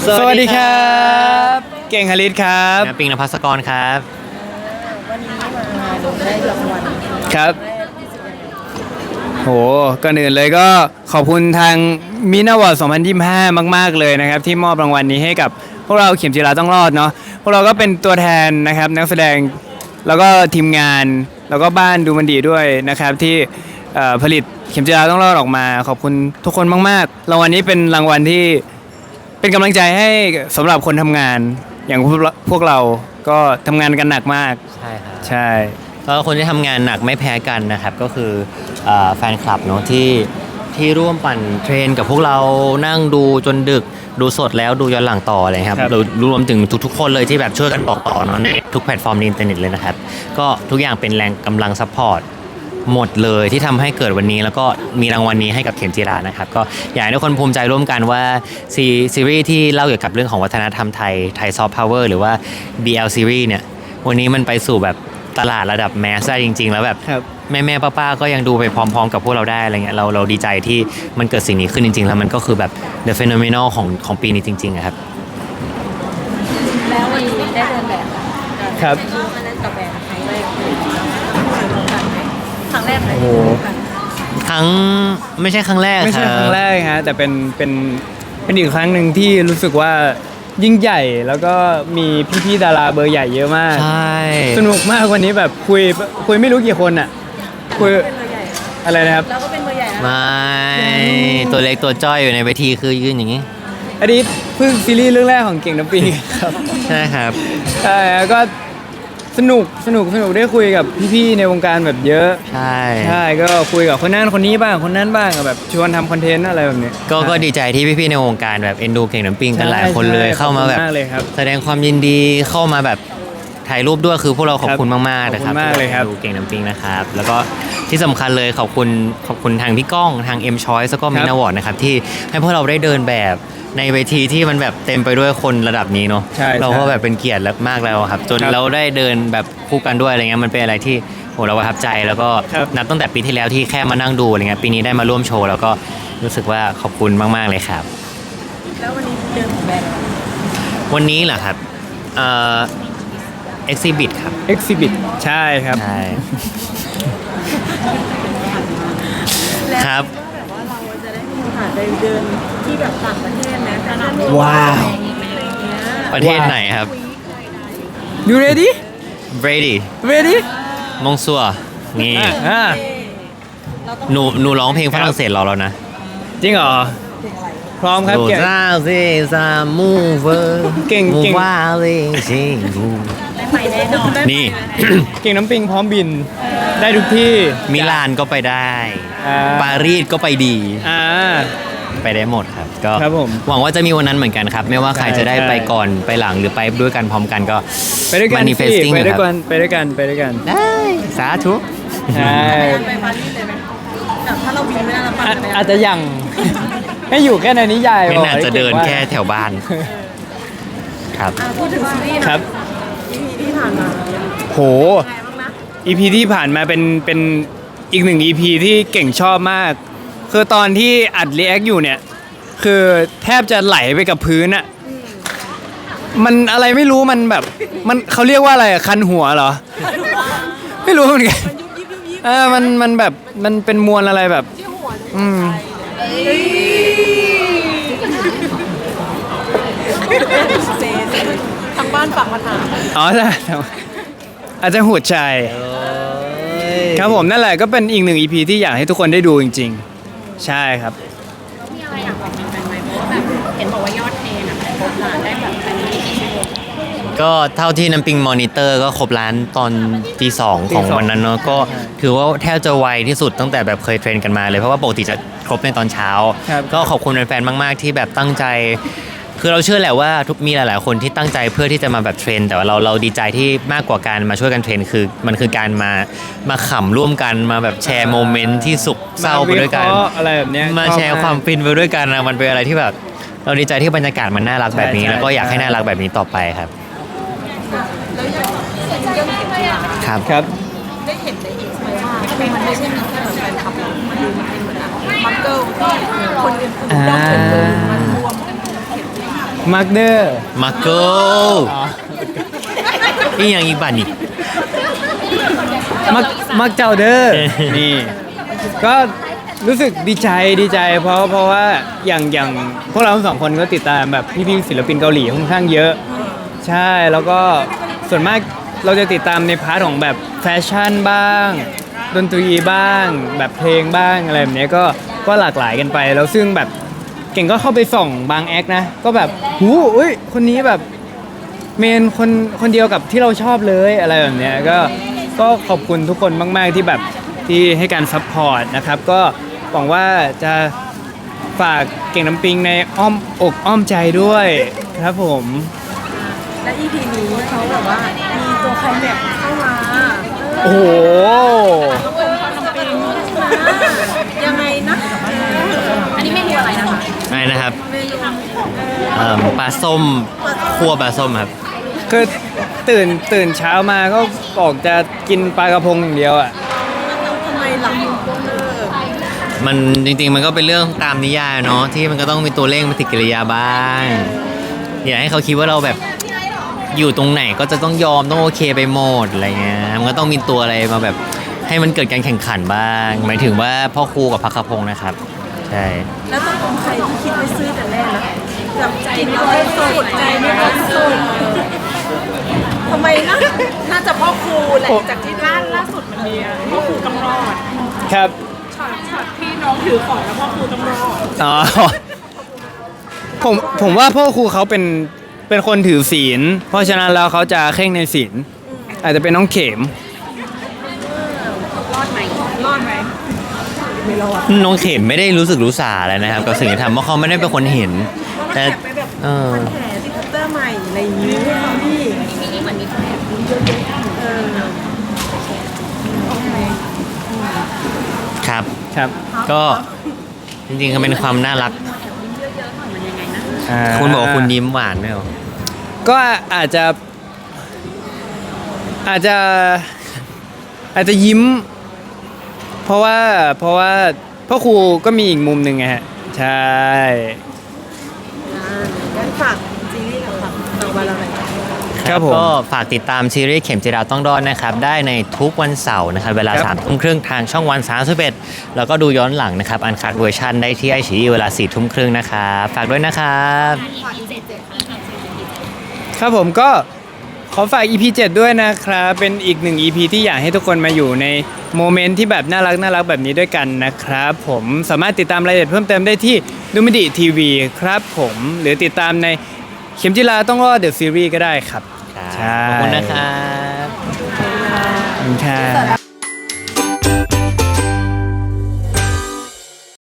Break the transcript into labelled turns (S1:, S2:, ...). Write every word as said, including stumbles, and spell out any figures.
S1: สวัสดีครับเก่งฮาริสครับ
S2: ปิงนภัสกรครับ
S3: วันนี้มาได้รางวัล
S1: ครับโหก่อนอื่นเลยก็ขอบคุณทางมินาวอร์ดสองพันยี่สิบห้ามากๆเลยนะครับที่มอบรางวัลนี้ให้กับพวกเราเข็มจีราต้องรอดเนาะพวกเราก็เป็นตัวแทนนะครับนักแสดงแล้วก็ทีมงานแล้วก็บ้านดูมันดีด้วยนะครับที่ผลิตเข็มจีราต้องรอดออกมาขอบคุณทุกคนมากๆรางวัลนี้เป็นรางวัลที่เป็นกำลังใจให้สำหรับคนทำงานอย่างพวกเราก็ทำงานกันหนักมาก
S2: ใช่ครับ
S1: ใช่
S2: ก็คนที่ทำงานหนักไม่แพ้กันนะครับก็คือแฟนคลับเนาะที่ที่ร่วมปั่นเทรนกับพวกเรานั่งดูจนดึกดูสดแล้วดูย้อนหลังต่อเลยครับเรารวมถึงทุกๆคนเลยที่แบบช่วยกันบอกต่อเนาะในทุกแพลตฟอร์มในอินเทอร์เน็ตเลยนะครับก็ทุกอย่างเป็นแรงกำลังซัพพอร์ตหมดเลยที่ทำให้เกิดวันนี้แล้วก็มีรางวัลนี้ให้กับเข็มจีรานะครับก็อยากให้ทุกคนภูมิใจร่วมกันว่าซีซีรีส์ที่เล่าเกี่ยวกับเรื่องของวัฒนธรรมไทยไทยซอฟต์พาวเวอร์หรือว่า บี แอล ซีรีส์เนี่ยวันนี้มันไปสู่แบบตลาดระดับแมสได้จริงๆแล้วแบบแม่แม่ป้าๆก็ยังดูไปพร้อมๆกับพวกเราได้อะไรเงี้ยเราเราดีใจที่มันเกิดสิ่งนี้ขึ้นจริงๆแล้วมันก็คือแบบ the phenomenal ของของปีนี้จริงๆครับ
S3: แล้ววันนี้ได้เดินแบบ
S1: ครับ
S3: อันนั้นกับแบรนด์ครั้งแรกครั้งแรกเลย
S2: ครั้งไม่ใช่ครั้งแรก
S1: ไม่ใช่ครั้งแรกฮะแต่เป็นเป็นเป็นอีกครั้งหนึ่งที่รู้สึกว่ายิ่งใหญ่แล้วก็มีพี่ๆดาราเบอร์ใหญ่เยอะมาก
S2: ใช่
S1: สนุกมากวันนี้แบบคุยคุยไม่รู้กี่คนอ่ะคุยอะไรนะครับ
S3: เราก็เป็นเบอร์ใหญ่นะ
S2: ไม่ตัวเล็กตัวจ้อยอยู่ในเวทีคือยืนอย่างนี้
S1: อันนี้เพิ่งซีรีส์เรื่องแรกของเก่งน้ำปิงครับ
S2: ใช่ครับ
S1: ใช่แล้วก็สนุกสนุกสนุกได้คุยกับพี่ๆในวงการแบบเยอะ
S2: ใช่
S1: ใช่ก็คุยกับคนนั้นคนนี้บ้างคนนั้นบ้างแบบชวนทำคอนเทนต์อะไรแบบนี้
S2: ก็ก็ดีใจที่พี่ๆในวงการแบบเอ็นดูเก่งน้ำปิงกันหลายคนเลยเข้ามาแบบแสดงความยินดีเข้ามาแบบถ่ายรูปด้วยคือพวกเราขอบคุณมากๆนะครับ
S1: ขอบคุณมากเลยครับ
S2: ดูเก่งน้ำปิงนะครับแล้วก็ที่สำคัญเลยขอบคุณขอบคุณทางพี่ก้องทาง M Choice แล้วก็มินาวอร์ดนะครับที่ให้พวกเราได้เดินแบบในเวทีที่มันแบบเต็มไปด้วยคนระดับนี้เนาะเราก็แบบเป็นเกียรติมากแล้วครับจนเราได้เดินแบบคู่กันด้วยอะไรเงี้ยมันเป็นอะไรที่โหเราประทับใจแล้วก็นับตั้งแต่ปีที่แล้วที่แค่มานั่งดูอะไรเงี้ยปีนี้ได้มาร่วมโชว์แล้วก็รู้สึกว่าขอบคุณมากๆเลยครับ
S3: แล้ววันนี้เดินแบรนด์
S2: วันนี้เหรอครับเอ่อ exhibit ครับ
S1: exhibit ใช่ครับ
S2: ใช่ครับ
S3: แบบว่าเราจะได้มีโอกาสไปเดินที่แบบต่างประเทศนะ
S1: ว้าว
S2: ประเทศไหนครับ
S1: You ready
S2: ready
S1: ready
S2: มงซัวนี่หนูหนูร้องเพลงฝรั่งเศสรอแล้วนะ
S1: จริงเหรอพร้อมครับ
S2: เก่งซาเซซามูเวอร์
S1: เก่งเก่ง
S2: ว่าเลยจริง
S3: ไปแน่นอน
S2: นี่
S1: เก่งน้ำปิงพร้อมบินได้ทุกที่
S2: มิลานก็ไปได้ปารีสก็ไปดีไปได้หมดครับก็หวังว่าจะมีวันนั้นเหมือนกันครับไม่ว่าใครจะได้ไปก่อนไปหลังหรือไปด้วยกันพร้อมกันก็
S1: ไปด้วยกันไปด้วยกันไปด้วยกันไปด้วยกัน
S2: ได้สาธุ
S1: ใช่
S3: ไปปารีสเลยไหมแบบถ้าเราบินไม่ได้เราไป
S1: อาจจะยังให้อยู่แค่ในนิยาย
S2: ไม่น่าจะเดินแค่แถวบ้านครับ
S3: พูดถึงซีรีส์
S1: ครับ
S3: อี พี ที่ผ่านมา
S1: โห อี พี ที่ผ่านมาเป็นเป็นอีกหนึ่ง อี พี ที่เก่งชอบมากคือตอนที่อัดรีแอคอยู่เนี่ยคือแทบจะไหลไปกับพื้นอะมันอะไรไม่รู้มันแบบมันเขาเรียกว่าอะไรคันหัวเหรอไม่รู้เหมือนกันเออมันมันแบบมันเป็นมวลอะไรแบบอืม
S3: ทางบ้านฝากมาถาม
S1: อ๋อใช่อาจจะหัวใจครับผมนั่นแหละก็เป็นอีกหนึ่ง อี พี ที่อยากให้ทุกคนได้ดูจริงๆใช่ครับ
S3: มีอะไรอยากบอกแฟนๆไหมเพราะว่าแบบเห็นบอกว่ายอดเทรนอะครบล้านได้แบบภายในกี่ชั่วโมง
S2: ก็เท่าที่น้ำปิงมอนิเตอร์ก็ครบล้านตอนตีสองของวันนั้นเนาะก็ถือว่าแทบจะไวที่สุดตั้งแต่แบบเคยเทรนกันมาเลยเพราะว่าปกติจะครบในตอนเช้าก็ขอบคุณแฟนๆมากๆที่แบบตั้งใจคือเราเชื่อแหละว่าทุกมีหลายๆคนที่ตั้งใจเพื่อที่จะมาแบบเทรนแต่ว่าเราเราดีใจที่มากกว่าการมาช่วยกันเทรนคือมันคือการมามาขำร่วมกันมาแบบแชร์โมเมนต์ที่สุขเศร้าไปด้วยกัน
S1: อะไรแบบนี้
S2: มาแชร์ความฟินไปด้วยกันนะมันเป็นอะไรที่แบบเราดีใจที่บรรยากาศมันน่ารักแบบนี้แล้วก็อยากให้น่ารักแบบนี้ต่อไปครับครับ
S1: ครับ
S3: ได้เห็นในอินสตาแกรมว่ามันไม่ใช่มีแค่แฟนคลับมันดูมันเป็นเหมือนมักเกิลที่คนอื่นๆยอดถึงเลยมันรวมกัน
S1: มาร์กเดอร์
S2: มาโก้นี่ยังอีกบัตนี่
S1: มักมักเจ้าเด้อ นี่ ก็รู้สึกดีใจดีใจ เพราะเพราะว่าอย่างอย่างพวกเราทั้งสองคนก็ติดตามแบบพี่ๆศิลปินเกาหลีค่อนข้างเยอะ ใช่แล้วก็ส่วนมากเราจะติดตามในพาร์ทของแบบแฟชั่นบ้าง ดนตรีบ้าง แบบเพลงบ้างอะไรแบบเนี้ยก็ก็หลากหลายกันไป แล้วซึ่งแบบเก่งก็เข้าไปส่องบางแอคนะ ก็แบบหูอุ้ยคนนี้แบบเมนคนคนเดียวกับที่เราชอบเลยอะไรแบบเนี้ยก็ก็ขอบคุณทุกคนมาก ๆ ที่แบบที่ให้การซัพพอร์ตนะครับ ก็หวังว่าจะฝากเก่งน้ำปิงในอ้อมอกอ้อมใจด้วยครับผม
S4: และ อี พี นี้เขาแบบว่ามีตัวใครแม็กเข้ามา
S1: โอ้โห
S4: ยังไงนะ
S3: อันนี้เมนูอะไรนะคะ
S2: อะไรนะครับ
S4: เมนู
S2: เอ่อปลาส้มคั่วปลาส้มครับ
S1: คือตื่นตื่นเช้ามาก็บอกจะกินปลากระพงอย่างเดียวอ่ะ
S4: ทำไมหลังเออ
S2: มันจริงๆมันก็เป็นเรื่องตามนิยายเนาะที่มันก็ต้องมีตัวเลขปฏิกิริยาบ้าง อย่าให้เขาคิดว่าเราแบบอยู่ตรงไหนก็จะต้องยอมต้องโอเคไปหมดอะไรเงี้ยมันก็ต้องมีตัวอะไรมาแบบให้มันเกิดการแข่งขันบ้างหมายถึงว่าพ่อครูกับพักขพงศ์นะครับใช่
S4: แล้วต้องเป็นใครที่คิดไม่ซื้อแต่แรกนะแบบกินแล้วไม่สุดใจไม่สุดทำไมนะน่าจะพ่อครูแหละจากที่
S3: ล่าล่าสุดมันมีพ่อครูต้องรอด
S1: ครับ
S3: ช็อตช็อตที่น้องถือของแล้วพ่อครูต้องรอด
S1: อ๋อ ผมผมว่าพ่อครูเขาเป็นเป็นคนถือศีล เพราะฉะนั้นแล้วเขาจะเคร่งในศีล อาจจะเป็นน้องเข็ม
S3: รอดไหมรอดไหม
S2: น้องเข็มไม่ได้รู้สึกรู้สาอะไรนะครับกับสิ่งที่ทำเพราะเขาไม่ได้เป็นคนเห็น แต่
S4: แอบไปแบบ
S2: เออ
S4: แผลที่คัตเตอร์ใหม่อะไรอย่างนี้เขาพี่
S3: ทีนี้เหมือนมีคนแอบ
S4: เออ
S2: ครับ
S1: ครับ
S2: ก็จริงๆก็เป็นความน่ารัก
S1: อ่า
S2: คุณบอกว่าคุณยิ้มหวานไหมเหรอ
S1: ก็อาจจะ อาจจะ อาจจะยิ้ม เพราะว่าเพราะว่าพ่อครูก็มีอีกมุมหนึ่งไงฮะ ใช่
S4: งั้นฝากซีรีส์กับฝากต่อมาเราหน่อย
S1: ครับผม
S2: ก็ฝากติดตามซีรีส์เข็มจีราต้องรอดนะครับ ได้ในทุกวันเสาร์นะครับ เวลา
S1: ครับ
S2: สามทุ่มครึ่งทางช่องวันสามสิบเอ็ดแล้วก็ดูย้อนหลังนะครับ อันคัดเวอร์ชันได้ที่ไอชีเวลาสี่ทุ่มครึ่งนะครับ ฝากด้วยนะครับ
S1: ครับผมก็ขอฝาก อี พี เจ็ด ด้วยนะครับ เป็นอีกหนึ่ง อี พี ที่อยากให้ทุกคนมาอยู่ในโมเมนต์ที่แบบน่ารักน่ารักแบบนี้ด้วยกันนะครับ ผมสามารถติดตามรายละเอียดเพิ่มเติมได้ที่ดูมิดิทีวีครับผมหรือติดตามในเข็มจิลาต้องรอดเดอะซีรีส์ก็ได้ครับ
S2: ครับ
S1: ใช่
S2: ขอบคุณนะครับ
S1: ขอบคุณครับ